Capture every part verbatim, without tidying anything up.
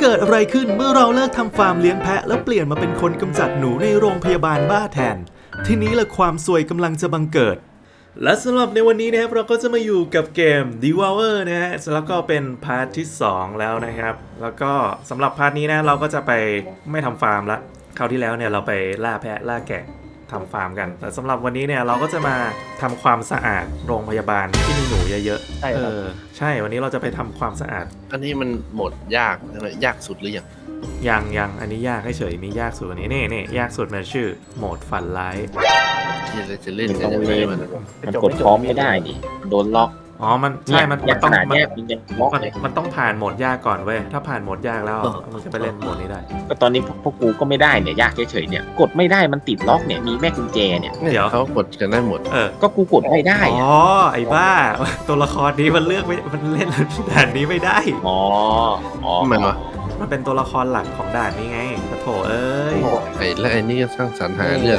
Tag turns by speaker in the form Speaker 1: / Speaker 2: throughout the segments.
Speaker 1: เกิดอะไรขึ้นเมื่อเราเลิกทำฟาร์มเลี้ยงแพะแล้วเปลี่ยนมาเป็นคนกำจัดหนูในโรงพยาบาลบ้าแทนทีนี้ละความซวยกำลังจะบังเกิดและสำหรับในวันนี้นะครับเราก็จะมาอยู่กับเกม Devour นะฮะแล้วก็เป็นพาร์ทที่สองแล้วนะครับแล้วก็สำหรับพาร์ทนี้นะเราก็จะไปไม่ทำฟาร์มละคราวที่แล้วเนี่ยเราไปล่าแพะล่าแกะทำฟาร์มกันแต่สำหรับวันนี้เนี่ยเราก็จะมาทำความสะอาดโรงพยาบาลที่มีหนูเยอะๆ
Speaker 2: ใช่ครับ
Speaker 1: เออใช่วันนี้เราจะไปทำความสะอาด
Speaker 3: อันนี้มันโหมดยากใช่ไหมยากสุดหรือยัง
Speaker 1: ยังยังอันนี้ยากเฉยๆมียากสุดอันนี้นี่นี่ยากสุดมันชื่อโหมดฝันร้าย
Speaker 3: ที่เราจะเล่นกันยังไงมัน
Speaker 2: มัน
Speaker 4: กดพร้อมไม่ได้ดิโดนล็อก
Speaker 1: อ๋อมันใช่มันมันต้อง
Speaker 4: ขนาด
Speaker 1: มัน
Speaker 4: เนี้ยมันยังล็อก
Speaker 1: มัน
Speaker 4: เลย
Speaker 1: มันต้องผ่านโหมดยากก่อนเว้ยถ้าผ่านโหมดยากแล้วมันจะไปเล่นโหมดนี้ได้
Speaker 4: ก็ตอนนี้พวกพวกกูก็ไม่ได้เนี่ยยากเฉยๆเนี่ยกดไม่ได้มันติดล็อกเนี่ยมีแม่กุญแจเนี่ย
Speaker 1: เดี๋ยว
Speaker 3: เขากดกันได้หมด
Speaker 1: เออ
Speaker 4: ก็กูกดไม่ได้
Speaker 1: อ๋
Speaker 4: อะ
Speaker 1: อไอ้บ้าตัวละครนี้มันเลือกไม่มันเล่นด่านนี้ไม่ได้
Speaker 4: อ๋ออ๋อ
Speaker 3: ทำไมวะ
Speaker 1: มันเป็นตัวละครหลักของด่านนี้ไงปะโถเอ้ย
Speaker 3: ไอ้และไอ้นี่ก็สร้างสรรค์หาเรื่อง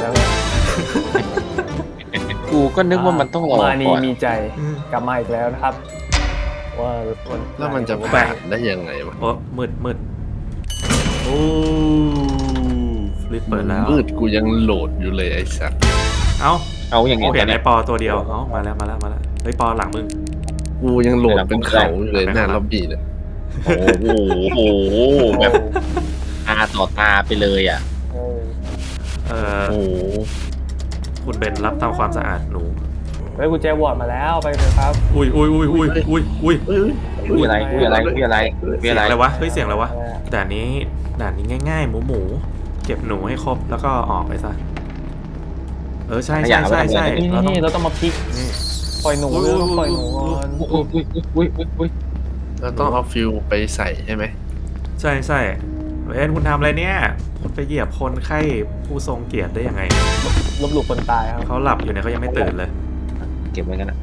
Speaker 4: กูก็นึกว่ามันต้องรอ
Speaker 2: มานี
Speaker 4: ก่อน
Speaker 2: มีใจกลับมาอีกแล้วนะครับ ว่า
Speaker 3: แล้วมันจะผ่านได้ยังไงวะ
Speaker 1: โอ้มืดมืดโอ้รีบเปิดแล้ว
Speaker 3: มืดกูยังโหลดอยู่เลยไอ้สัตว์
Speaker 1: เอ้า
Speaker 4: เอาอย่าง
Speaker 1: โอ้
Speaker 4: เงี้ย
Speaker 1: เห็นไอ้ปอตัวเดียวเอ้ามาแล้วมาแล้วมาแล้วเฮ้ยปอหลังมึง
Speaker 3: กูยังโหลดเป็นเขาอยู่เลยหน้าล็อบบี้เลย
Speaker 4: โอ้โหโอ้โหแบบตาต่อตาไปเลยอ่ะ
Speaker 2: เออ
Speaker 1: เอ่อ
Speaker 3: โอ้โห
Speaker 1: คุณเบนรับทำความสะอาดหนู
Speaker 2: เฮ้ยกุญแจวอร์ดมาแล้วไปเลยครับ
Speaker 1: อุ้ยอุ้ยอุ้ยอุ้ยอุ้ยอุ้ย
Speaker 3: เอ้ย
Speaker 4: คุยอะไรคุยอะไรคุยอะไรคุย
Speaker 1: เสียง
Speaker 4: อะไร
Speaker 1: อะไรวะเฮ้ยเสียงอะไรวะด่านนี้ด่านนี้ง่ายๆหมูหมูเก็บหนูให้ครบแล้วก็ออกไปซะเออใช่ใช่ใช่ใช่
Speaker 2: นี่
Speaker 1: เราต้อง
Speaker 2: นี่เราต้องมาพลิก
Speaker 1: นี่
Speaker 2: ปล่อยหนูเราต้องปล่อยหนูก่อน
Speaker 4: อุ้ยอุ้ยอุ้ยอุ้ยอุ้ย
Speaker 3: เราต้องเอาฟิลไปใส่ใช่ไหม
Speaker 1: ใช่ใช่เอ็นคุณทำอะไรเนี่ยคุณไปเหยียบคนไข้ผู้ทรงเกียรติได้ยังไง
Speaker 2: ลบหลู่คนตายครับ
Speaker 1: เขาหลับอยู่เนี่ยเขายังไม่ตื่นเลย
Speaker 4: เก็บไว้กันนะ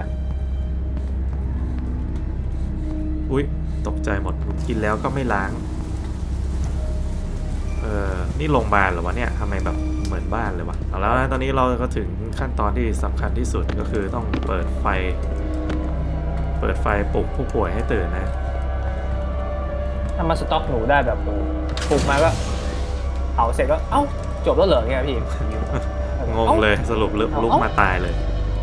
Speaker 1: อุ้ยตกใจหมดกินแล้วก็ไม่ล้างเออนี่โรงพยาบาลเหรอวะเนี่ยทำไมแบบเหมือนบ้านเลยวะเอาแล้วนะตอนนี้เราก็ถึงขั้นตอนที่สำคัญที่สุดก็คือต้องเปิดไฟ เปิดไฟปลุกผู้ป่วยให้ตื่นนะ
Speaker 2: ถ้ามาสต็อกหนูได้แบบปลูกมาก็เผาเสร็จก็เอ้าจบแล้วเหรอเนี่ยพี่
Speaker 1: งงเลยสรุปลุกลุกมาตายเลย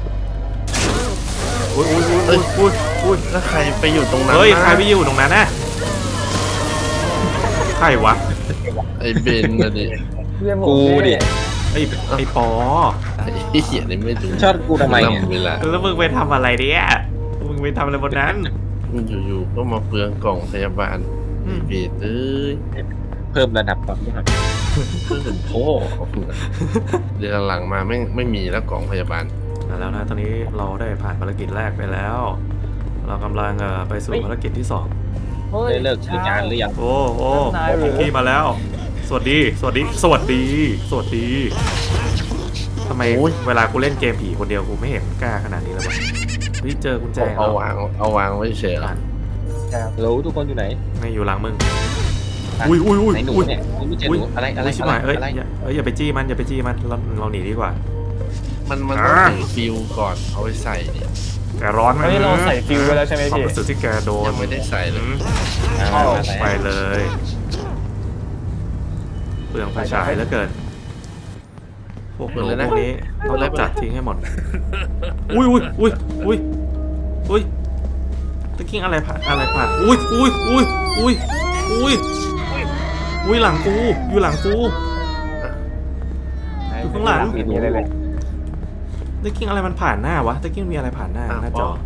Speaker 1: อุ้ยอุ้ยอุ้ยอุ้ยอุ้ย
Speaker 3: แล้วใครไปอยู่ตรงนั้น
Speaker 1: เฮ้ย
Speaker 3: นะ
Speaker 1: ใครไปอยู่ตรงนั้นน่ะใครวะ
Speaker 3: ไอ้เบนนะดิ
Speaker 2: เรียกผม
Speaker 4: กูดิ
Speaker 1: ไอ้ไอ้ปอ
Speaker 3: ไอ้เหี้ยนี่ไม่ดู
Speaker 4: ชอบกูทำไมเนี่ย
Speaker 3: เวลา
Speaker 1: แล้วมึงไปทำอะไรเนี่ยมึงไปทำอะไรบนนั้น
Speaker 3: มันอยู่ๆก็มาเปลืองกล่องพยาบาล
Speaker 1: อืม
Speaker 3: เบนเอ้ย
Speaker 4: เพิ่มระดับความยาก
Speaker 3: เพิ่งโอ้เดือนหลังมาไม่ไม่มีแล้วกล่องพยาบาล
Speaker 1: แล้วนะตอนนี้เราได้ผ่านภารกิจแรกไปแล้ว เรากำลังเอ่อไปสู่ภารกิจที่สอง
Speaker 2: ฮ้ย
Speaker 4: ได้เลิกคืองานหรือยัง
Speaker 1: โอ้โอ้
Speaker 2: นายหรือ
Speaker 1: พี่มาแล้ว สวัสดี สวัสดี สวัสดี สวัสดีทำไมเวลากูเล่นเกมผีคนเดียวกูไม่เห็นกล้าขนาดนี้เลยวะเฮ้ยเจอกุญแจ
Speaker 3: เอา
Speaker 1: แล้ว
Speaker 3: วางเอาวางไว้เฉย
Speaker 1: อ่าน
Speaker 4: รู้ทุกคนอยู่ไหน
Speaker 1: ไม่อยู่หลังมึง อุ้ยอุ้ยอุ้ย
Speaker 4: ไหนหนู
Speaker 1: อุ้ย
Speaker 4: เนี่ยไม่เจอหนูอะไรอะไร
Speaker 1: อุ้ยชิบ
Speaker 4: อะไร
Speaker 1: หายเอ้ย
Speaker 4: อะไร
Speaker 1: อย่าเอ้ยอย่าไปจี้มันอย่าไปจี้มันเราเราหนีดีกว่า
Speaker 3: มันมันต้อง
Speaker 1: อ่า
Speaker 3: ใส่ฟิลก่อนเอาไปใส่เนี่ย
Speaker 1: แกร้อนไหม
Speaker 2: ตอนนี้เราใส่ฟิวไว้แล้วใช่ไหม
Speaker 1: ความ
Speaker 2: พี่
Speaker 1: รู้สึกที่แกโดน
Speaker 3: ยังไม่ได้ใส่เลย
Speaker 1: อืม
Speaker 4: อ่ามา
Speaker 1: ไปเลยเปลืองไฟฉายเหลือเกินพวกหนูพวกนี้ต้องรีบจัดทิ้งให้หมด อุ้ยอุ้ยอุ้ยอุ้ยอุ้ยตะกิ้งอะไรผ่านอะไรผ่านอุ้ยอุ้ยอุ้ยอุ้ยอุ้ยอุ้ยหลังกูอยู่หลังกู อยู่ข้างหลัง
Speaker 2: ไม่มีอะไรเลย
Speaker 1: ตะกิ้งอะไรมันผ่านหน้าวะตะกิ้งมีอะไรผ่านหน้าหน้าจอ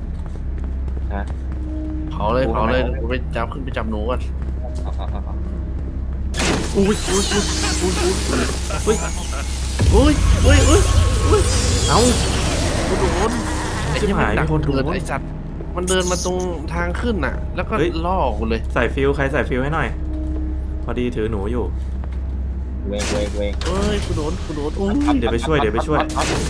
Speaker 3: เผาเลยเผาเลยกูไปจับขึ้นไปจับหนูก่อน
Speaker 4: เอาเอาเอาเอา
Speaker 1: อุ้ยอุ้ยอุ้ยอุ้ยอุ้ยเฮ้ย
Speaker 3: อุ้ยอุ้ยอุ้ยอุ้ย
Speaker 1: เอ้ากูโดน
Speaker 3: ไอ้
Speaker 1: ชิบ
Speaker 3: ที่มั
Speaker 1: หาน ย
Speaker 3: ดั
Speaker 1: มี
Speaker 3: ก
Speaker 1: คนโด
Speaker 3: เกิด
Speaker 1: น
Speaker 3: ไอ้สัตว์มันเดินมาตรงทางขึ้นน่ะ แล้วก็
Speaker 1: เฮ้ย
Speaker 3: ล่อกูเลย
Speaker 1: ใส่ฟิวใครใส่ฟิวให้หน่อย พอดีถือหนูอยู่
Speaker 4: เวงเวงเวง
Speaker 3: เอ้ยกูโดนกูโดนอุ้ย
Speaker 1: เดี๋ยวไปช่วยเดี๋ยวไปช่วย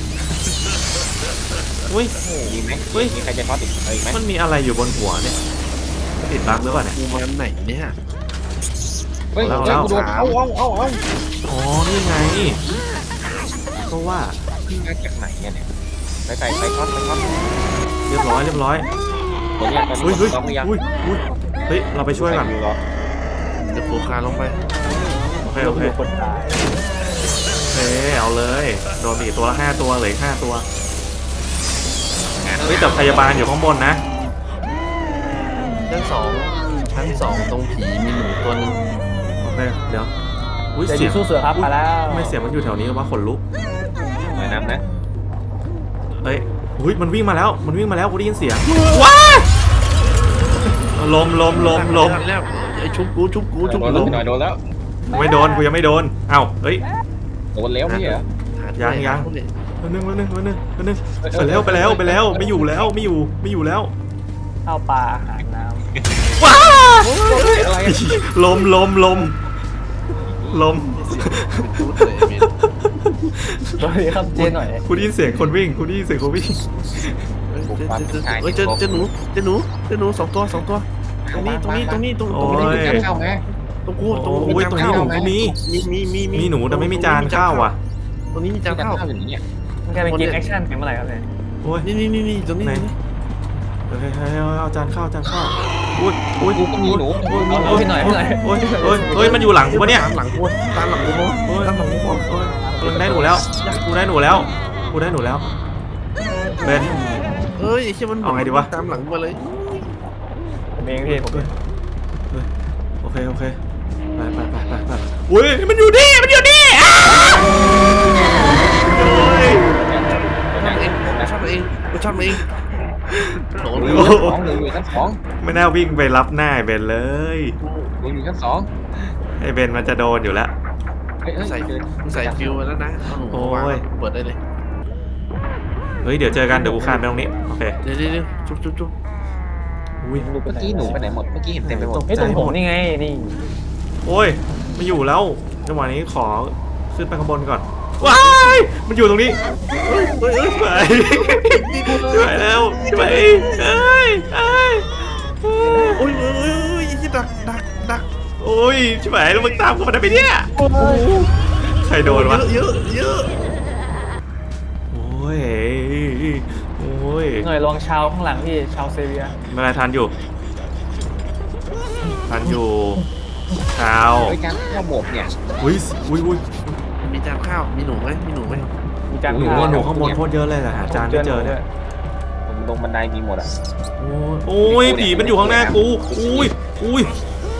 Speaker 1: อุ้ย
Speaker 4: มีไหม
Speaker 1: เฮ้ย
Speaker 4: มีใครจะทอดอีกเอาอีกไหม
Speaker 1: มันมีอะไรอยู่บนหัวเนี่ยติดบั๊กหรือเปล่าเนี่ย
Speaker 3: กูมาไหนเนี่ย
Speaker 4: เฮ้ย
Speaker 1: เอา
Speaker 4: เฮ้ย
Speaker 1: เอา
Speaker 4: กูโดนเอาเอาเอาเอา
Speaker 1: อ๋อนี่ไงก็ว่า
Speaker 4: มาจากไหนเนี่ยเนี่ยไปไปไปทอดไปทอด
Speaker 1: เรียบร้อยเรียบร้อย
Speaker 4: ตอนนี้ตอน
Speaker 1: อุ้ย
Speaker 4: นี้
Speaker 1: เฮ้ย
Speaker 4: ต้องหรือยัง
Speaker 1: อุ้ยอุ้ยเฮ้ยเราไปช่วยก่อน
Speaker 4: ใส่ฟิวเหรอ
Speaker 3: เดี๋ดี๋ยวปูคานลงไป
Speaker 1: โอเคโอเค
Speaker 2: คนตาย
Speaker 1: เอ้เอาเลยโดนไปอีกตัวละห้าตัวเหลือห้าตัวเฮ้ยแต่พยาบาลอยู่ข้างบนนะ
Speaker 3: ชั้นสองชั้นสองตรงผีมีหนูตัวนึง
Speaker 1: โอเคเดี๋ยวอุ้ย
Speaker 2: จะ
Speaker 1: เสี
Speaker 2: ยิ
Speaker 1: ย
Speaker 2: ง
Speaker 1: ง
Speaker 2: สู้เสือครับมาแล้ว
Speaker 1: ไม่เสียงมันอยู่แถวนี้ว่าขนลุก
Speaker 4: หน่อยน้ำนะ
Speaker 1: เอ้ยอุ้ยมันวิ่งมาแล้วมันวิ่งมาแล้วกูได้ยินเสียงว้ายลมลมลมลม
Speaker 3: แล้วไอ้ชุบกูชุบกูชุบ
Speaker 4: โด
Speaker 3: กู
Speaker 4: นแล้วหน่อยโดนแล้ว
Speaker 1: ไม่โดนกูยังไม่โดนเอ้าเฮ้ย
Speaker 4: โดนแล้วพี่เหรอ
Speaker 1: ยังยัง วันนึงวันนึงวันนึงวันนึงไปแล้วไปแล้วไปแล้วไม่อยู่แล้วไม่อยู่ไม่อยู่แล้ว
Speaker 2: ข้าวปลาอาหารน้
Speaker 1: ว้า
Speaker 4: อะไร
Speaker 1: ลมลมลมลม
Speaker 3: ชุดเลยมี
Speaker 2: ำตัวนี้ครับเจ๊หน่อย
Speaker 1: กูได้ยินเสียงคนวิ่งกูได้ยินเสียงคนวิ่ง
Speaker 3: เฮ้ยเจอเจอหนูเจอหนูเจอหนูสองตัวสองตัวตรงนี้ตรงนี้ตรงนี้ตรงตรงนี้
Speaker 4: จะเข้าไหม
Speaker 3: ตรงกูตรง
Speaker 1: โอ้ยตรงนี้หนูก็มี
Speaker 3: มีมีมี
Speaker 1: มีหนูแต่ไม่มีจานข้าวอ่ะ
Speaker 3: ตรงนี้มี
Speaker 4: จะ
Speaker 3: จาน
Speaker 4: เข้า
Speaker 3: ข้าว
Speaker 4: อย่างนี้
Speaker 2: มันกลายเป็นเกมแอคชั่นเป็นเมื่อไหร่ครับเนี่ย
Speaker 1: โอ้ย
Speaker 3: นี่นี่นี่นี่ตรงนี้
Speaker 1: ไหนเฮ้ยเฮ้ยเอาจานข้าวจานข้าวอุ้ยอุ้ย
Speaker 4: กูก็มีหนู
Speaker 2: เอาพี่หน่อยพี่หน่อย
Speaker 1: โอ้ยโอ้ยเฮ้ยมันอยู่หลังกูปะเนี่ย
Speaker 3: ตามหลังกูตามหลังกู
Speaker 1: โอ้ย
Speaker 3: ตามหลังกู
Speaker 1: โอ้ยกูได้หนูแล้วกูได้หนูแล้วกูได้หนูแล้วเบน
Speaker 3: เฮ้ยใช่มันตามหลังมาเลย
Speaker 2: ผมเองพี่ผม
Speaker 1: โอเคโอเคไปไปไปไปไปอุ้ยมันอยู่นี่มันอยู่นี่อ้าวเฮ้ย
Speaker 3: เองชอบเองกูชอบเองโดน
Speaker 4: หนู
Speaker 3: เลย
Speaker 4: อยู่ชั้นสองหนูอยู่ชั้นสอง
Speaker 1: ไม่น่าวิ่งไปรับหน้าไอ้เบนเลย
Speaker 4: หนูอยู่ชั้นสอง
Speaker 1: ไอ้เบนมันจะโดนอยู่แล้ว
Speaker 4: เฮ้ย
Speaker 3: ใส่
Speaker 4: เฮ้ย
Speaker 3: ใส่ฟิวมาแล้วนะเอาหนูวางเปิดได้เลย
Speaker 1: เฮ้ยเดี๋ยวเจอกันเดี๋ยวกูคานไปตรงนี้โอเค
Speaker 3: เดี๋ยวเดี๋ยวจุ๊บจุ๊บจุ๊บ
Speaker 1: อุ้ย
Speaker 4: เมื่อกี้หนูไปไหนหมดเมื่อกี้เห็นเต็มไปหมด
Speaker 2: ไอ้ตรงผมนี่ไงนี่
Speaker 1: โอ้ยไม่อยู่แล้วจังหวะนี้ขอขึ้นไปข้างบนก่อนว้ายมันอยู่ตรงนี้เฮ้ยเฮ้ยเฮ้ยไปช่วยแล้วช่วยเอ้ยเอ้ย
Speaker 3: โอ้ยโอ้ยโอ้ยยี่ดักดักดัก
Speaker 1: โอ้ยช่วยแล้วมึงตามกูมาได้ไหมเนี่ยใครโดนวะ
Speaker 3: เยอะเยอะ
Speaker 1: โอ้ยโอ้ย
Speaker 2: หน่อยลองชาวข้างหลังพี่ชาวเซเวีย
Speaker 1: ไม่เป็นไรทันอยู่ทันอยู่เช้า
Speaker 4: เฮ้ยการเข้าหมกเนี่ย
Speaker 1: อุ้ยอุ้ยอุ้ย
Speaker 3: มีจานข้าวมีหนูไหมมีหนูไหม
Speaker 2: มีจาน
Speaker 1: หนูว่าหนูข้างบนโคตรเยอะเลยแต่หาจานไม่เจอเนี่ย
Speaker 4: ลงบันไดมีหมดอ่ะ
Speaker 1: โอ้ยโอ้ยผีมันอยู่ข้างหน้ากูอุ้ยอุ้ย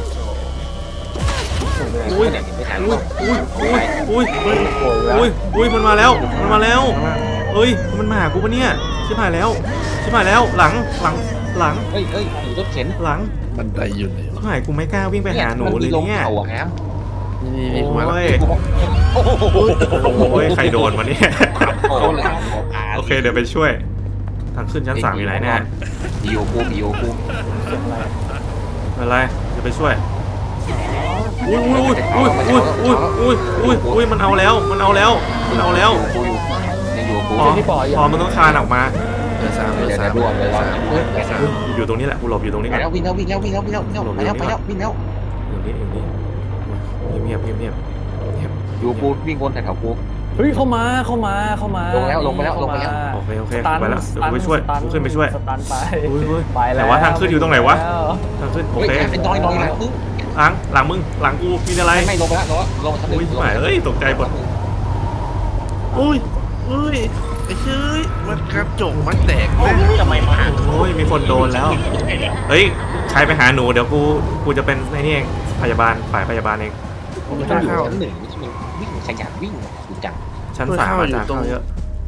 Speaker 1: อุ้ย
Speaker 4: เนี่ยเห็นไม่ทัน
Speaker 1: อุ้ยอุ้ยอุ้ยอุ้ย
Speaker 2: โอ้ยแล้ว
Speaker 1: อุ้ยอุ้ยมันมาแล้วมันมาแล้วเฮ้ยมันมาหากูปะเนี่ยชิบหายแล้วชิบหายแล้วหลังหลังหลัง
Speaker 4: เฮ้ยเฮ้ยหนูรถเข็น
Speaker 1: หลัง
Speaker 3: บันไดอยู่ไหน
Speaker 1: ชิบหายกูไม่กล้าวิ่งไปหาหนูเลยเนี่ย
Speaker 4: เขาอะครับ
Speaker 3: นี่นี่มาแล้ว
Speaker 1: โอ้ย
Speaker 4: โอ้โห
Speaker 1: โอ้ยใครโดนวะเนี่ย
Speaker 4: โอ้โห
Speaker 1: โอเคเดี๋ยวไปช่วยทางขึ้นชั้นสามอยู่ไหนเนี่ย
Speaker 4: บิโอกูบิโอกู
Speaker 2: เสียงอะไร
Speaker 1: ไม่เป็นไรเดี๋ยวไปช่วยอุ้ยอุ้ยอุ้ยอุ้ยอุ้ยอุ้ยอุ้ยอุ้ยมันเอาแล้วมันเอาแล้วมันเอาแล้ว
Speaker 4: กูอยู่ยังอยู่กู
Speaker 1: พอพอมันต้องคานออกมา
Speaker 3: เออสามเออ
Speaker 4: เดี๋ยว
Speaker 3: สา
Speaker 4: จะ
Speaker 3: ม
Speaker 4: รวมเลยรอ
Speaker 3: เออสาม
Speaker 1: อยู่ตรงนี้แหละกูหลบอยู่ตรงนี้
Speaker 4: ไป
Speaker 1: ก่อน
Speaker 4: แล้ววิ่งแล้ววิ่งแล้ววิ่งแล้ววิ่งแล้ววิ่งแล้วไปแล้วไปแล้ววิ่งแล้ว
Speaker 1: อยู่นี่อยู่นี่เงียบเงียบเงียบเงียบ
Speaker 4: อยู่กูวิ่งวนแถวกู
Speaker 2: เฮ้ยเข้ามาเข้ามาเข้ามา
Speaker 4: ลงแล้วลงไปแล้วลงไปแล้ว
Speaker 1: โอเคโอเค
Speaker 2: สตัน
Speaker 1: ไปแล้ว
Speaker 2: ส
Speaker 1: เดี๋ยว
Speaker 2: ตั
Speaker 1: กูไปช่วย
Speaker 2: สตัน
Speaker 1: กูขึ้นไปช่วย
Speaker 2: สตันไป
Speaker 1: อุ้ยอุ้ย
Speaker 2: ไปแล้ว
Speaker 1: แต่ว่าทางขึ้นอยู่ตรงไหนวะ ทางขึ้นโอ
Speaker 4: เฮ้ย
Speaker 1: เค
Speaker 4: เป็นดอยดอยหลังมึง
Speaker 1: หลังหลังมึงหลังกูมีอะไร
Speaker 4: ไม่ลงไปแล้วลงลงชั้นหนึ่
Speaker 1: อุ้ย
Speaker 4: ง
Speaker 1: หมายเอ้ยตกใจหมด
Speaker 3: อุ้ยอุ้ยไอ้เชื่อมันกระจกมันแตกแม่
Speaker 4: ทำไมมา
Speaker 1: โอ้ยมีคนโดนแล้วเฮ้ยใครไปหาหนูเดี๋ยวกูกูจะเป็นไอ้นี่เองพยาบาลฝ่ายพยาบาลเอง
Speaker 4: มันต้องอยู่ชั้นหนึ่งวิ่งขยันวิ่งดูจัง
Speaker 1: ชั้นสามอาจารย์เข้าเยอะ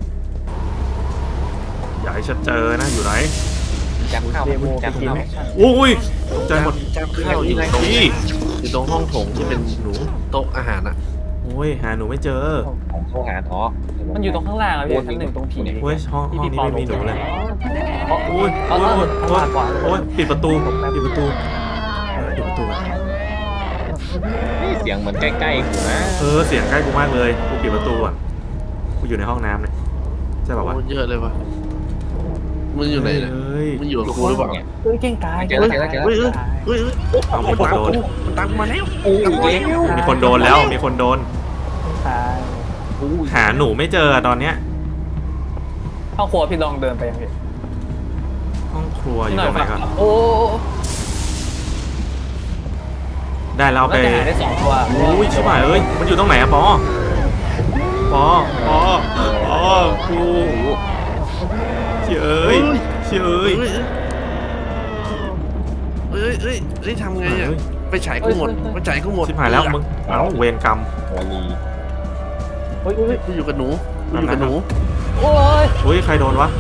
Speaker 1: อย่าให้ฉันเจอนะอยู่ไหน
Speaker 4: จังเข้า
Speaker 2: เดโม
Speaker 4: จัง
Speaker 2: เกม
Speaker 4: เข้า
Speaker 2: แอคชั่น
Speaker 1: อุ้ยตกใจหมด
Speaker 3: จานข้าวอยู่ตรง
Speaker 1: นี่
Speaker 3: อยู่ตรงห้องโถงที่เป็นหนูโต๊ะอาหารอ่ะ
Speaker 1: โอ้ยหาหนูไม่เจอ
Speaker 4: ของโทรหาท้อ
Speaker 2: มันอยู่ตรงข้างล่างอะพี่ชั้นหนึ่งตรงผี
Speaker 1: โอ้ยห้องห้องนี้ไม่มีหนูเลย
Speaker 2: เพราะ
Speaker 1: โอ้ย
Speaker 2: เอา
Speaker 1: โอ้ย
Speaker 2: เอา
Speaker 1: โอ้ย
Speaker 2: เอาก่อน
Speaker 1: โอ้ยปิดประตูปิดประตูปิดประตู
Speaker 4: เสียงเหมือนใกล้ๆกูนะ
Speaker 1: เออเสียงใกล้กูมากเลยกูปิดประตูอ่ะกูอยู่ในห้องน้ำเลยใช่ป่าวะ
Speaker 3: โอ้เยอะเลยวะมึงอยู่ไหนเนี่ย
Speaker 1: เฮ้ย
Speaker 3: มึงอยู่กับกูหรือเปล่า
Speaker 2: เฮ้ยเก่งกาย
Speaker 4: เจอแล้วเจอแล้วเจอแล้ว
Speaker 3: เฮ้ยเฮ้ยเฮ้ยโอ้มันตามกูมันตามมาแล้ว
Speaker 4: โอ้ย
Speaker 1: มีคนโดนแล้วมีคนโดน
Speaker 2: ตาย
Speaker 1: หาหนูไม่เจอตอนเนี้ย
Speaker 2: ห้องครัวพี่ลองเดินไปยังพี่
Speaker 1: ห้องครัวอยู่
Speaker 2: หน่
Speaker 1: ต
Speaker 2: อย
Speaker 1: รงไหน
Speaker 2: ฝาก
Speaker 1: ก่อน
Speaker 2: โอ้
Speaker 1: ได้แล้วเอา
Speaker 2: น่า
Speaker 1: ไป
Speaker 2: จะหาได้สองตัว
Speaker 1: อุ้ยชิบหายเอ้ยมันอยู่ตรงไหนอะปอปอปอปอกูเชี่ยเอ้ยเชี่ยเอ้ย
Speaker 3: เอ้ยเอ้ยเอ้ยทำไงอ่ะไปฉายกูหมดไปฉายกูหมด
Speaker 1: ชิบหายแล้วมึงเอ้าเวรกรรม
Speaker 4: วลี
Speaker 2: โอ้ยโอ้ย
Speaker 3: กูอยู่กับหนูกูอยู่กับหนู
Speaker 2: โอ้ย
Speaker 1: อุ้ยใครโดนวะ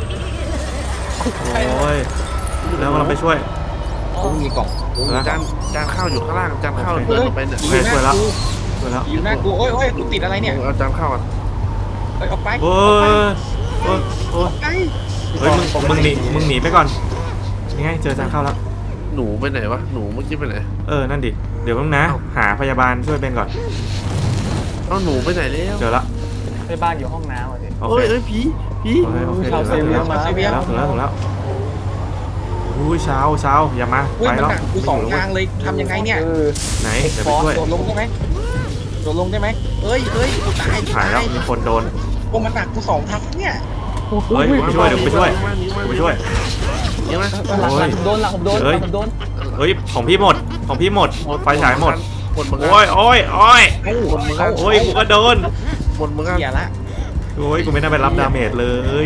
Speaker 1: โอ้ยแล้วเราไปช่วย
Speaker 4: กูมีกล่องกู
Speaker 1: แล้ว
Speaker 3: จานจานข้าวอยู่ข้างล่างจานข้าวเดินลงไปเนี่ย
Speaker 1: โอเคช่วยแล้วช่วยแล้ว
Speaker 4: อยู่หน้ากูโอ้ยโอ้ยกูติดอะไรเนี่ย
Speaker 3: เอาจานข้าวอ่ะ
Speaker 4: เอ้ยออกไป
Speaker 1: โอ้ยโอ้ยโอ้ย
Speaker 4: ไอ้
Speaker 1: เฮ้ยมึงมึงหนีมึงหนีไปก่อนนี่ไงเจอจานข้าวแล้ว
Speaker 3: หนูไปไหนวะหนูเมื่อกี้ไปไหน
Speaker 1: เออนั่นดิเดี๋ยวมึงนะหาพยาบาลช่วยเบนก่อน
Speaker 3: เอาหนูไปไหนแล้ว
Speaker 1: เจอละ
Speaker 2: ไปบ้านอยู่ห้องน้ำอ่ะดิ
Speaker 1: โอ
Speaker 3: โอ้
Speaker 1: เค
Speaker 3: ยเอ้ยผีผี
Speaker 1: โอเคโอเค
Speaker 2: ชาวเซเวียมา
Speaker 1: ถึงแล้วถึงแล้วถึงแล้วอุ้ยเช้าเช้าอย่ามา
Speaker 4: เฮ้ย
Speaker 1: ไป
Speaker 4: มัน
Speaker 1: แล้ว
Speaker 4: หนักกูสองทางเลยทำยังไงเนี่ย
Speaker 2: เออ
Speaker 1: ไหนเดี๋ยวไปช่วย
Speaker 4: โดดลงได้ไหมโดดลงได้ไหมเอ้ยเอ้ยกูตาย
Speaker 1: หายแล้วมีคนโดน
Speaker 4: โอ้มันหนักกูสองทางเนี่ย
Speaker 1: เฮ้ยไปช่วยเดี๋ยวไปช่วยไปช่วย
Speaker 3: เดี๋ยวนะ
Speaker 2: หลังหลังผมโดนหลังผมโดนห
Speaker 1: เฮ้ย
Speaker 2: ลังผมโดน
Speaker 1: เฮ้ยของพี่หมดของพี่หมดไฟฉายหมด
Speaker 3: หมดเหมือนกัน
Speaker 1: โอ้ยโอ้ยโอ้ย
Speaker 4: เอ้า
Speaker 3: หมดเหมือนกัน
Speaker 1: โอ้ยกูก็โดน
Speaker 3: หมดเหมือนกัน
Speaker 4: เสียละ
Speaker 1: โอ้ยกูไม่น่าไปรับดาเมจเลย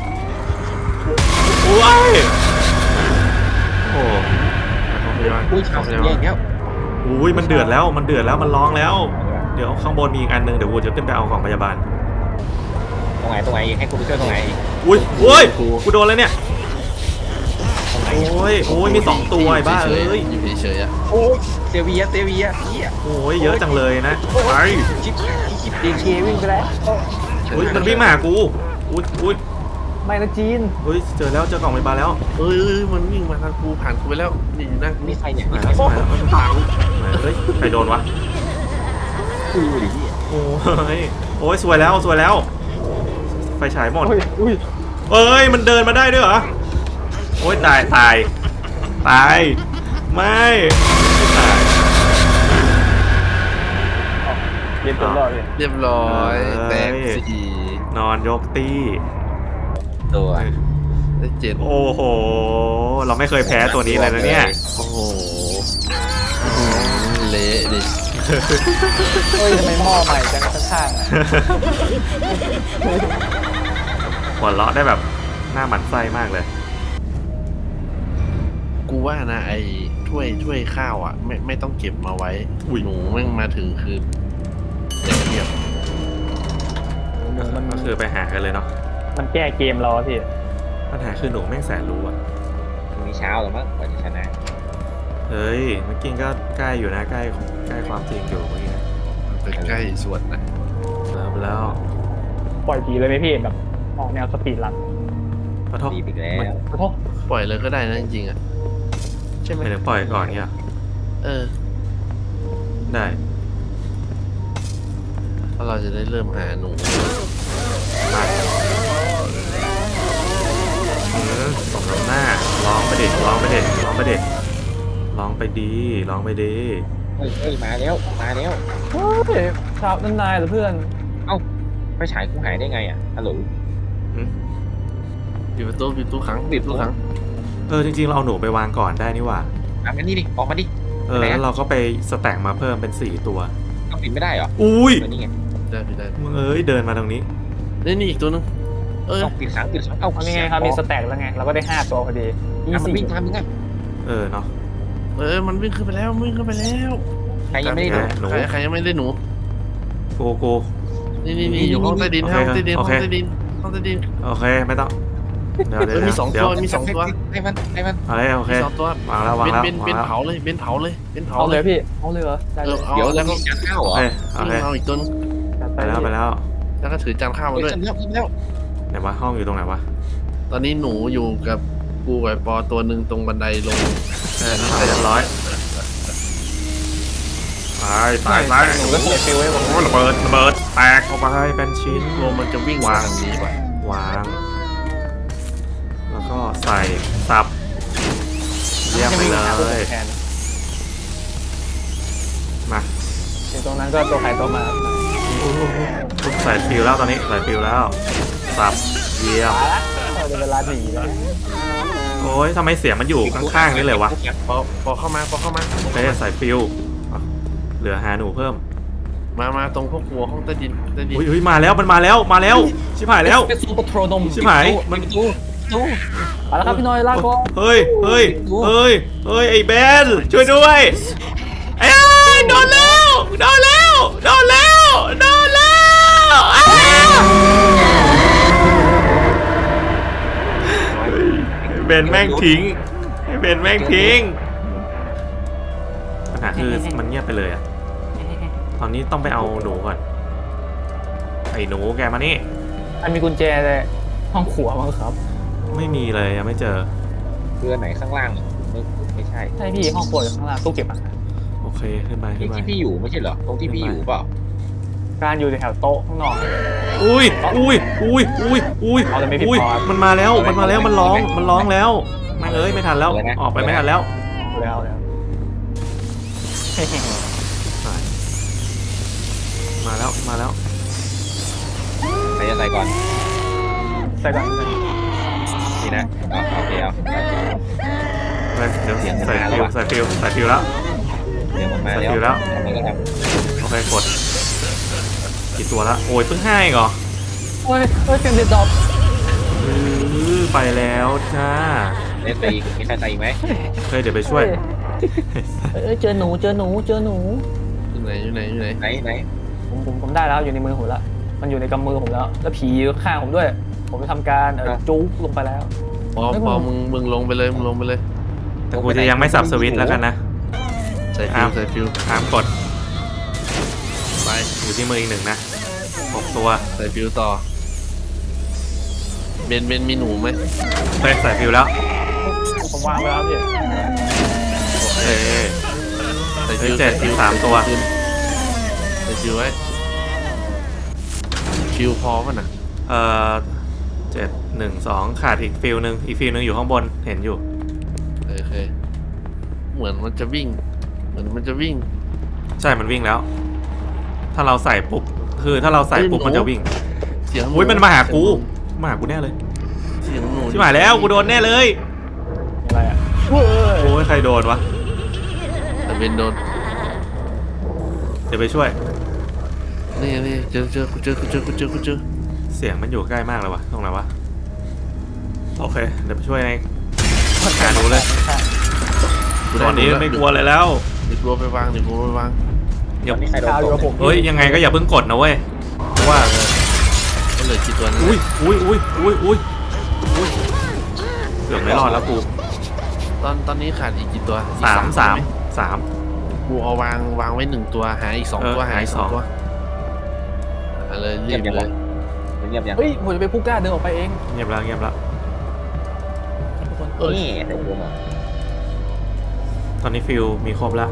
Speaker 1: โอ้ยโอ้
Speaker 4: อุ้ยชาวเสียอย่างเงี้ย
Speaker 1: อุ้ยมันเดือดแล้วมันเดือดแล้วมันร้องแล้ว เดี๋ยวข้างบนมีอีกอันนึงเดี๋ยวกูจะขึ้นไปเอาของพยาบาล
Speaker 4: ตรงไหนตรงไหนให้กูไปช่วยตรงไหน
Speaker 1: อุ้ยโอ้ยกูโดนแล้วเนี่ยโอ้ยโอ้ยมีสองตัวไอ้บ้าเอ้ย
Speaker 3: อยู่เฉยๆอ่ะ
Speaker 4: โอ้ยเซเวียเซเวียเฮีย
Speaker 1: โอ้ยเยอะจังเลยนะไป
Speaker 4: ชิปชิป
Speaker 2: ดีเควิ่งไปแล้ว
Speaker 1: อุ้ยมันวิ่งมาหากูอุ้ยอุ้ย
Speaker 2: ไม่นะจีน
Speaker 1: อุ้ยเจอแล้วเจอกล่องพยาบาลแล้ว
Speaker 3: เอ้ยเอ้ยมันวิ่งมาทางกูผ่านกูไปแล้วนี่อยู่หน้ากู
Speaker 4: นี่ใครเนี่ย
Speaker 1: ไหน
Speaker 4: นี่ใคร
Speaker 1: แล้วไหนแล้ว
Speaker 3: ตาม
Speaker 1: ไหนเฮ้ยใครโดนวะ
Speaker 4: กูดิ
Speaker 1: โอ้ยโอ้ยสวยแล้วสวยแล้ว ไฟฉายหมด
Speaker 2: โอ้ยอุ้ย
Speaker 1: เอ้ยมันเดินมาได้ด้วยเหรอโอ้ยตายตายตายไม่ไม่ตาย
Speaker 2: เรียบร้อยเลย
Speaker 3: เรียบร้อยแตกสี่
Speaker 1: นอนยกตี้
Speaker 4: ตัว
Speaker 3: ได้เจ็ด
Speaker 1: โอ้โหเราไม่เคยแพ้ตัวนี้เลยนะเนี่ย
Speaker 3: โอ้โหเละดิ
Speaker 2: เฮ้ยทำไมหม้อใหม่จังข้างๆอ่ะ
Speaker 1: หัวเราะได้แบบหน้าหมันไส้มากเลย
Speaker 3: กูว่านะไอ้ถ้วยถ้วยข้าวอ่ะไม่ไม่ต้องเก็บมาไว้หนูแม่งมาถึงคือเด็กเรียบ
Speaker 2: มัน
Speaker 1: ก็คือไปหากันเลยเนาะ
Speaker 2: มันแก้เกมเราอะพี่
Speaker 1: ปัญหาคือหนูแม่งแสนรู้อะ
Speaker 4: พรุ่งนี้เช้าหรือมั้งกว่าจะชนะ
Speaker 1: เฮ้ยเมื่อกี้ก็ใกล้อยู่นะใกล้ใกล้ความจริงอยู่เมื่อกี้นะ
Speaker 3: ไปใกล้ส่วนนะ
Speaker 1: แล้วแล้ว
Speaker 2: ปล่อยผีเลยไหมพี่แบบออกแนวสปีดรัน
Speaker 1: ขอโทษ
Speaker 4: ดีอีกแล้ว
Speaker 2: โอ้โห
Speaker 3: ปล่อยเลยก็ได้นะจริงๆอ่ะใช่ไหม
Speaker 1: ไม่ถึงปล่อยก่อนเนี่ย
Speaker 3: เออ
Speaker 1: ได้
Speaker 3: เพราะเราจะได้เริ่มหาหนู
Speaker 1: มาเออสมน้ำหน้าร้องไปเด็ดร้องไปเด็ดร้องไปเด็ดร้องไปดีร้องไปดี
Speaker 4: เฮ้ยเฮ้ยมาแล้วมาแล้ว
Speaker 2: เฮ้ยชาวนั่นนายเหรอเพื่อน
Speaker 4: ไฟฉายกูหายได้ไงอ่ะฮัลโหล
Speaker 3: ปิดประตูปิดประตูขังปิดประตูขัง
Speaker 1: เออจริงๆเราเอาหนูไปวางก่อนได้นี่หว่า
Speaker 4: อ่ะงั้นนี่ดิออกมาดิ
Speaker 1: เออแล้วเราก็ไปสแต็กมาเพิ่มเป็นสี่ตัว
Speaker 4: ต้องปิดไม่ได้เหรอ
Speaker 1: อุ้ย
Speaker 4: ตัวนี้ไง
Speaker 3: ได้ปิดได้
Speaker 1: มึงเอ้ยเดินมาตรงนี้
Speaker 3: นี่นี่อีกตัวนึงเออ
Speaker 4: ต้องปิดขังปิดขังเอา
Speaker 2: เอาไงครับมีสแต็กแล้วไงเราก็ได้ห้าตัวพอดี
Speaker 4: อ่ะมันวิ่งตามมึงไง
Speaker 1: เออเนาะ
Speaker 3: เออมันวิ่งขึ้นไปแล้ววิ่งขึ้นไปแล้ว
Speaker 4: ใครยังไม่ได้ดู
Speaker 1: หนู
Speaker 3: ใครใครยังไม่ได้หนู
Speaker 1: โกโก
Speaker 3: นี่นี่นี่อยู่ห้องใต้ดิน
Speaker 1: โอเค
Speaker 3: ห้องใต้ดิน
Speaker 1: โอ
Speaker 3: ห้อง
Speaker 1: เค
Speaker 3: ใต้ดินห้องใต้ดิน
Speaker 1: โอเคไม่ต้องเดี๋ยว
Speaker 3: เอ
Speaker 1: เดี๋ยว
Speaker 3: อมีสอง
Speaker 1: เดี๋ย
Speaker 3: ตัว วมีสองตัว
Speaker 4: ให้มันให้มัน
Speaker 1: อะไรโอเค
Speaker 3: มีสองตัว
Speaker 1: วางแล้ววางแล้ว
Speaker 3: เบนเบน
Speaker 1: วางแล้ว
Speaker 3: เผาเลยเบนเผาเลยเบนเผา
Speaker 2: เอา
Speaker 3: เล
Speaker 2: เลย ยพี่เอาเลยเหรอได้
Speaker 3: เอ
Speaker 2: เล
Speaker 3: อย เอา
Speaker 4: เดี๋ยว
Speaker 3: แล้วก็
Speaker 4: มีจานข้าวเหร
Speaker 1: โอ
Speaker 4: อ
Speaker 1: เคโอเค
Speaker 3: เอาอีกตัวนึง
Speaker 2: จัด
Speaker 1: ไปแล้วไปแล้ว
Speaker 3: แล้วก็ถือจานข้าวมา
Speaker 4: เฮ้ย
Speaker 3: ด้วย
Speaker 4: ฉันเลือกฉันเลือก
Speaker 1: ไหนวะห้องอยู่ตรงไหนวะ
Speaker 3: ตอนนี้หนูอยู่กับกูกับไอ้ปอตัวหนึ่งตรงบันไดลง
Speaker 1: เออนั่นเรียบร้อยตายตายตาย
Speaker 2: หนูก็เสียฟิลไว้ผม
Speaker 1: โอ้ระเบิดระเบิดแตกออกไปเป็นชิ้น
Speaker 3: โลมันจะวิ่งมาทางนี้ป่ะ
Speaker 1: วาง แล้วก็ใส่สับเยี่ยมไปเลย
Speaker 2: แทน
Speaker 1: มา
Speaker 2: ถึงตรงนั้นก็ตัวใครตัวมา
Speaker 1: ใส่ฟิวแล้วตอนนี้ใส่ฟิวแล้วสับเยี่ยม
Speaker 2: มาละเราจะเวลาหนีแล้ว
Speaker 1: โอ้ยทำไมเสียงมันอยู่ข้างๆนี่เลยวะ
Speaker 3: ปอปอเข้ามาปอเข้ามา
Speaker 1: โอเคใส่ฟิวเหลือหาหนูเพิ่ม
Speaker 3: มามาตรงพวกหัวห้องใต้ดินใต้ดิน
Speaker 1: อุ้ยอุ้ยมาแล้วมันมาแล้วมาแล้วชิบหายแล้ว
Speaker 2: เป็นซูเปอร์โทรนม
Speaker 1: ชิบหายมัน
Speaker 2: ดูดูมาแล้วครับพี่น้อยลากก่อน
Speaker 1: เฮ้ยเฮ้ยเฮ้ยเฮ้ยไอ้เบนช่วยด้วยเอ้ยโดนแล้วโดนแล้วโดนแล้วโดนแล้วอ้าวไอ้เบนแม่งทิ้งไอ้เบนแม่งทิ้งปัญหาคือมันเงียบไปเลยอะตอนนี้ต้องไปเอาหนูก่อนไอ้หนูแกมานี่
Speaker 2: อันมีกุญแจเลยห้องครัวมั้งครับ
Speaker 1: ไม่มีเลยยังไม่เจอ
Speaker 4: คืออันไหนข้างล่างไม่ไม่ใช่
Speaker 2: ใช่พี่ห้องครัวอยู่ข้างล่างตู้เก็บอาหาร
Speaker 1: โอเคขึ้นไป
Speaker 4: ที่
Speaker 1: ขึ้นไป
Speaker 4: ที่พี่อยู่ไม่ใช่เหรอตรงที่พี่อยู่เปล่า
Speaker 2: การอยู่ในแถวโต๊ะข้างนอก
Speaker 1: อุ้ยอุ้ยอุ้ยอุ้ยอุ้ย
Speaker 2: เอาเลยไม่ผิด
Speaker 1: อุ้ย
Speaker 2: พอครับ
Speaker 1: มันมาแล้วมันมาแล้วมันร้องมันร้องแล้วแม่งเอ้ยไม่ทันแล้วออกไปไม่ทันแล้ว
Speaker 2: แล้วแล้ว
Speaker 1: มาแล้วมาแล้ว
Speaker 4: ใครจะใส่ก่อน
Speaker 2: ใส่ก่อน
Speaker 4: นี่นะเอาโอเคเอา
Speaker 1: เฮ้ยเดี๋ยว
Speaker 4: เสียงมัน
Speaker 1: ใส่
Speaker 4: มาแล้
Speaker 1: ฟิ
Speaker 4: ว
Speaker 1: ว
Speaker 4: อะ
Speaker 1: ใส่ฟิวใส่ฟิวแล้ว
Speaker 4: เดี๋ยวมันมา
Speaker 1: ใส่
Speaker 4: แล้ว
Speaker 1: ฟิวแล้ว
Speaker 4: ทำไมก็ท
Speaker 1: โอเคกดกี่ตัวละโอ้ยเพิ่งห้าเองเหรอ
Speaker 2: เฮ้ยเฮ้ยเสียงเด็ดดอก
Speaker 1: อื้อไปแล้วจ้า
Speaker 4: ำเล่นไปอีกมีใครใส่อีกไหม
Speaker 1: เฮ้ยเดี๋ยวไปช่วย
Speaker 2: เอ้ยเจอหนูเจอหนูเจอหนู
Speaker 3: อยู่ไหนอยู่ไหนอยู่ไหน
Speaker 4: ไหนไหน
Speaker 2: ผมผมผมได้แล้วอยู่ในมือผมแล้วมันอยู่ในกำมือผมแล้ว แล้วผีอยู่ข้างผมด้วย ผมจะทำการเออจุ๊กลงไปแล้ว
Speaker 3: พอ
Speaker 2: ไม่
Speaker 3: พอ
Speaker 2: ผม
Speaker 3: มึงมึงลงไปเลยมึงลงไปเลย
Speaker 1: แต่กูจะยังไม่สับสวิตช์แล้วกันนะ
Speaker 3: ใส่ฟิ
Speaker 1: อ้าว ว
Speaker 3: ใส่ฟิว
Speaker 1: ห้ามกด
Speaker 3: ไป
Speaker 1: อยู่ที่มืออีกหนึ่งนะหกตัว
Speaker 3: ใส่ฟิวต่อเบนเบนมีหนูไหม
Speaker 1: เฮ้ยใส่ฟิวแล้ว
Speaker 2: ผมวางไปแล้วพี่
Speaker 1: เอ้ย
Speaker 3: ใส่
Speaker 1: เฮ้
Speaker 3: ฟิ
Speaker 1: ยว เจ็ด
Speaker 3: ใส่ฟิว
Speaker 1: สามตัว
Speaker 3: ใส่ฟิวไว้ฟิวพอป่ะน่ะ
Speaker 1: เอ่อเจ็ดหนึ่งสองขาดอีกฟิลหนึ่งอีกฟิลหนึ่งอยู่ข้างบนเห็นอยู่
Speaker 3: โอเคเหมือนมันจะวิ่ง เหมือนมันจะวิ่ง
Speaker 1: ใช่มันวิ่งแล้ว ถ้าเราใส่ปุ๊บคือถ้าเราใส่ปุ๊บ
Speaker 3: เฮ้ยหนู
Speaker 1: มันจะวิ่ง
Speaker 3: เสียงห
Speaker 1: อุ้ยมันมาหากูมาหากูแน่เลย
Speaker 3: เสียงหนู
Speaker 1: ชิบหายแล้วกูโดนแน่เลย
Speaker 2: อะไรอ่ะเฮ้ย
Speaker 1: โอ้ยใครโดนวะ
Speaker 3: แต่เบนโดน
Speaker 1: เดี๋ยวไปช่วย
Speaker 3: นี่นี่เจอเจอกูเจอกูเจอกูเจอกูเจอ
Speaker 1: เสียงมันอยู่ใกล้มากเลยวะตรงไหนวะโอเคเดี๋ยวไปช่วยเองหาหนูเลยตอนนี้ไม่กลัวเลยแล้ว
Speaker 3: เดี๋ยวกลัวไปวางเดี๋ยวกลัวไปวาง
Speaker 1: อย่า
Speaker 4: นี่ใครโดน
Speaker 2: ข่าวอ
Speaker 4: ต
Speaker 2: ยู่
Speaker 4: ก
Speaker 2: กับผม
Speaker 1: เฮ้ยยังไงก็อย่าเพิ่งกดนะเว้ยเพราะว่า
Speaker 3: ก็เหลือกี่ตัวนะ
Speaker 1: อุ้ยอุ้ยอุ้ยอุ้ยอุ้ยอุ้ยเกือบไม่รอดแล้วกู
Speaker 3: ตอนตอนนี้ขาดอีกกี่ตัวอีก
Speaker 1: สามสาม
Speaker 3: ไห
Speaker 1: สาม
Speaker 3: กูเอาวางวางไว้หนึ่งตัวหาอีกสอง
Speaker 1: เออ
Speaker 3: ตัวหา
Speaker 1: หาอี
Speaker 3: อี
Speaker 1: ก
Speaker 3: กสอง
Speaker 1: สอง
Speaker 3: ตัวอะไรรี
Speaker 4: เงีย
Speaker 3: บบ
Speaker 4: ยัง
Speaker 3: เล
Speaker 4: วะ
Speaker 3: ย
Speaker 4: เงียบยัง
Speaker 2: เฮ้ยผมจะไปผู้กล้าเดินออกไปเอง
Speaker 1: เงียบแล้วเงียบแล้ว
Speaker 2: ทุกคน
Speaker 3: เอ้ย
Speaker 4: นี่ใส่ฟิวมา
Speaker 1: ตอนนี้ฟิลมีครบแล้ว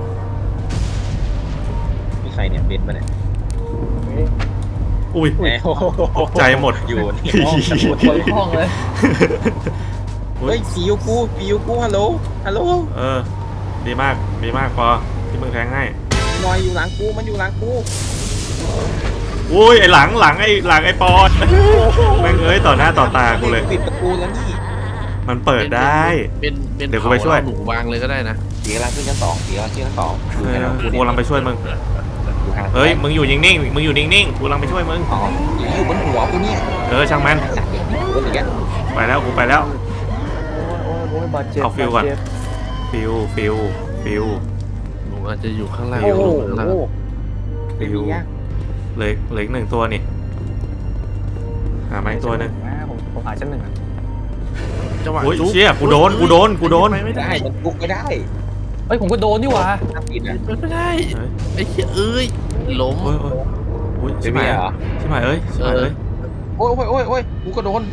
Speaker 4: มีใครเนี่ยเบนมาเนี่ย
Speaker 2: เฮ้ย
Speaker 1: อุ้ย
Speaker 4: แหมโอ้โห
Speaker 1: ตกใจหมด
Speaker 4: อยู่ในห้องสมุด
Speaker 2: เปิดห้องเลย
Speaker 1: เฮ้
Speaker 4: เฮ้
Speaker 1: ย
Speaker 4: ยฟิวกูฟิวกูฮัลโหลฮัลโหล
Speaker 1: เออดีมากดีมากพอที่มึงแทงให้
Speaker 4: หน่อยอยู่หลังกูมันอยู่หลังกู
Speaker 1: อุ้ยไอหลังหลังไอหลังไอปอนแม่งเอ้ยต่อหน้าต่อตากูเลย
Speaker 4: ปิดประตูแล้วนี่
Speaker 1: มันเปิดได้
Speaker 3: เป็นเป็น
Speaker 1: เดี๋ยวกูไปช่วย
Speaker 3: เผาแล้หนูวางเลยก็ได้นะ
Speaker 4: เสียงกำลังขึ้นชั้นสองเสียงกำลังขึ้นชั้นสอง
Speaker 1: เออกูกำลังไปช่วยมึง
Speaker 4: อยู่ห่าง
Speaker 1: เฮ้ยมึงอยู่นิ่งๆมึงอยู่นิ่งๆกูกำลังไปช่วยมึง
Speaker 4: อ๋ออยู่บนหัวกูเนี่ย
Speaker 1: เออช่างมัน
Speaker 4: สัตว์เนี่ยอยู่บนอย่างเงี้ย
Speaker 1: ไปแล้วกูไปแล้ว
Speaker 2: โอ้ยโอ้ยโอ้ยบาดเจ็บ
Speaker 1: เอาฟิลก่อน
Speaker 2: บดเจ็บ
Speaker 1: ฟิลฟิลฟิล
Speaker 3: หนูอาจจะอยู่ข้างล่าง
Speaker 1: ฟิ
Speaker 2: โอ้
Speaker 1: ว
Speaker 2: โห
Speaker 3: ข้างล่าง
Speaker 1: ฟิลเหลือเหลืออีกหนึ่งตัวนี่หาไม้ตัวหนึง
Speaker 2: อ่าผมผมหาชั้นหนึ่งอะ
Speaker 3: จังหวะ
Speaker 1: โอ้ย
Speaker 3: จุ๊บ
Speaker 1: เชี่ยกูโดนกูโดนกูโดน
Speaker 3: ไปไม่ได้
Speaker 4: ได้มันกุกไม่ได้
Speaker 2: เฮ้ยผมก็โดนนี่หว่า
Speaker 4: ห้ามปิดนะ
Speaker 3: ไปไม่ได้
Speaker 1: เฮ้ย
Speaker 3: ไอ้เหี้ยเอ้ยล้ม
Speaker 1: โอ้ยโอ้ยโอ้ย
Speaker 4: เป็
Speaker 1: ชิ
Speaker 4: น
Speaker 1: บ
Speaker 4: เมี
Speaker 1: หาย
Speaker 4: ยเหรอ
Speaker 1: ชิบหายเอ้ยชิบหายเอ้ย
Speaker 4: โอ้ยโอ้ยโอ้ยโอ้ยกูก็โดน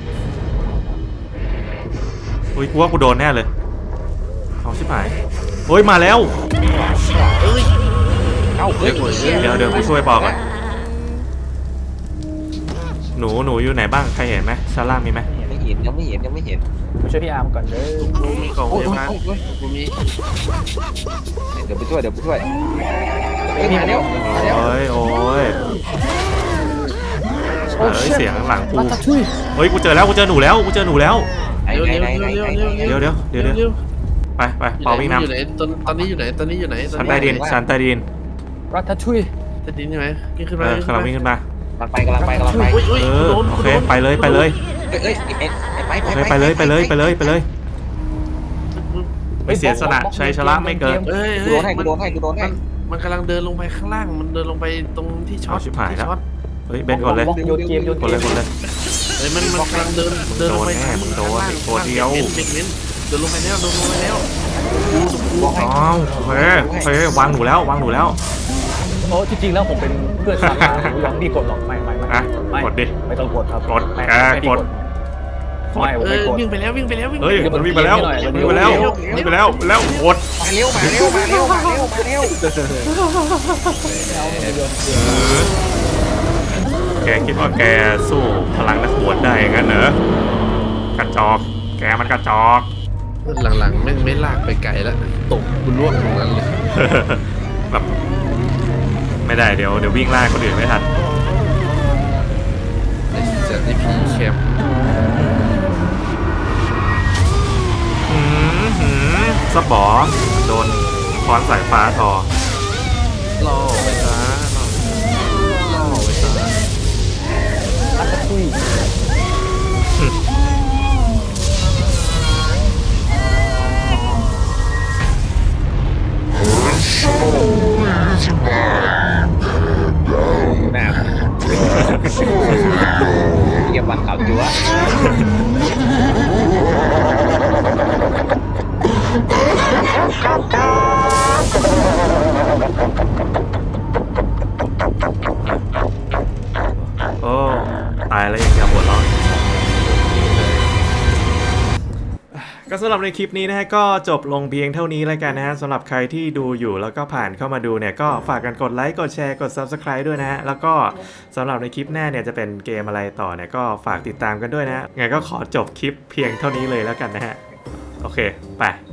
Speaker 1: อุ้ยกูว่ากูโดนแน่เลยเอาชิบหายโอ้ยมาแล้ว
Speaker 3: เอ้ย
Speaker 4: เอ้าเฮ้ย
Speaker 1: เดี๋ยวเดี๋ยวกูช่วยปอกก่อนหนูหนูอยู่ไหนบ้างใครเห็นไหมชั้นล่างมีไหม
Speaker 4: ไม่เห็นยังไม่เห็นยังไม่เห็น
Speaker 2: ผมช่วยพี่อาร์มก่อนเด้อ
Speaker 3: กูมีกล่องพ
Speaker 4: โอ้ย
Speaker 3: ยาบาล
Speaker 4: โอ้ยโอ้ย
Speaker 3: กูมี
Speaker 4: เดี๋ยวไปช่วยเดี๋ยวไปช่วยเฮ้ยมาเร็วมาเร็ว
Speaker 1: โอ้ยโอ้ยเอ้ยเสียงหลังกู
Speaker 2: มาตะช่วย
Speaker 1: เฮ้ยกูเจอแล้วกูเจอหนูแล้วกูเจอหนูแล้ว
Speaker 4: ไหน
Speaker 3: เร็ว
Speaker 4: ไหน
Speaker 3: เร็ว
Speaker 4: ไหน
Speaker 3: เร็ว
Speaker 4: ไหน
Speaker 3: เร็ว
Speaker 4: ไหน
Speaker 3: เร็ว
Speaker 1: เดี๋ยวเดี๋ยวเดี๋ยวเดี๋ยว
Speaker 3: เร็ว
Speaker 1: ไปไปเปาวิ่งน
Speaker 3: อยู่ไหนตอนตอนนี้อยู่ไหนตอนนี้อยู่ไหน
Speaker 1: ำชั้นใต้ดินชั้นใต้ดิน
Speaker 3: อ
Speaker 2: รัฐชุย
Speaker 3: จะดินใช่ไหมวิ่งขึ้น
Speaker 1: เอ
Speaker 3: มา
Speaker 1: อกำลังวิ่งขึ้นมา
Speaker 4: กำลังไปกำลังไปกำลังไป
Speaker 3: อุ้ยอุ้ย
Speaker 1: เออ
Speaker 3: โดน
Speaker 1: โอเคไปเลยไปเลย
Speaker 4: เอ้ยเอ้ยไอ้ไอ้ไป
Speaker 1: โอเคไปเลยไปเลยไปเลยไปเลยไม่เสียสละชัยชนะไม่เกิน
Speaker 3: เอ้ย
Speaker 4: กู
Speaker 3: เฮ้
Speaker 4: โด
Speaker 3: ย
Speaker 4: นให้กู
Speaker 3: มัน
Speaker 4: โดนให้กูโดนให้
Speaker 3: มันกำลังเดินลงไปข้างล่างมันเดินลงไปตรงที่ช็อ
Speaker 1: เอา
Speaker 3: ต
Speaker 1: ชิบหาย
Speaker 3: ที่
Speaker 1: แล้ว
Speaker 3: ช็อต
Speaker 1: เฮ้ยเบนกดเลย
Speaker 2: บล็อกโยนเกมโยน
Speaker 1: กดเลยกดเลย
Speaker 3: เฮ้ยมันมันกำลังเดินเดินลงไป
Speaker 1: โดนแน่มึงโดน
Speaker 3: ข้างล่าง
Speaker 1: ตัวเดียว
Speaker 3: เน้นเน้นเน้นเดินลงไปแล้วเดินลงไปแล้วกูตกกู
Speaker 4: บอกให้
Speaker 1: อ้าวโอเคโอเควางหนูแล้ววางหนูแล้ว
Speaker 2: โอ้จริงๆแล้วผมเป็นเพื่อนสาวหนูยังดีกดหรอกไม่ไม่ไม่
Speaker 1: อ่ะ
Speaker 2: ไม่
Speaker 1: กดดิ
Speaker 2: ไม่ต้องกดครับ
Speaker 1: กด
Speaker 2: ไม่
Speaker 1: แก
Speaker 2: ไม่
Speaker 1: กด
Speaker 2: ไม่ผม
Speaker 3: เอ
Speaker 2: ไม่
Speaker 3: อก
Speaker 2: ด
Speaker 3: วิ่งไปแล้ววิ่งไปแล้ววิ่งไป
Speaker 1: เฮ้ย
Speaker 3: แล้ว
Speaker 1: มันวิ่งไปแล้ววิ่งไปแล้ววิ่งไปแล้วแล้วกด
Speaker 4: มาเร็วมาเร็วมาเร็วมาเร็วมาเร็ว
Speaker 1: แกคิดว่าแกสู้พลังนักบวชได้งั้นเหรอกระจอกแกมันกระจอก
Speaker 3: หลังๆแม่งไม่ลากไปไกลแล้วตกกูล่วงตรงนั้นเลย
Speaker 1: แบบไม่ได้เดี๋ยวเดี๋ยววิ่งไล่คนอื่นไม่ทัน
Speaker 3: ไอ้เจ้าที่พีแคม
Speaker 1: หืมหืมสปอโดนค้อนสายฟ้าทอ
Speaker 3: ล่อไปซะล่อไปซะ
Speaker 2: รัฐชุย
Speaker 4: หน้าเยี่ยมวันข่าวจั๊ว
Speaker 1: โอ้ตายแล้วยังจะหัวเราะก็สำหรับในคลิปนี้นะฮะก็จบลงเพียงเท่านี้แล้วกันนะฮะสำหรับใครที่ดูอยู่แล้วก็ผ่านเข้ามาดูเนี่ยก็ฝากกันกดไลค์กดแชร์กด ซับสไครบ์ ด้วยนะฮะแล้วก็สำหรับในคลิปหน้าเนี่ยจะเป็นเกมอะไรต่อเนี่ยก็ฝากติดตามกันด้วยนะฮะไงก็ขอจบคลิปเพียงเท่านี้เลยแล้วกันนะฮะโอเคไป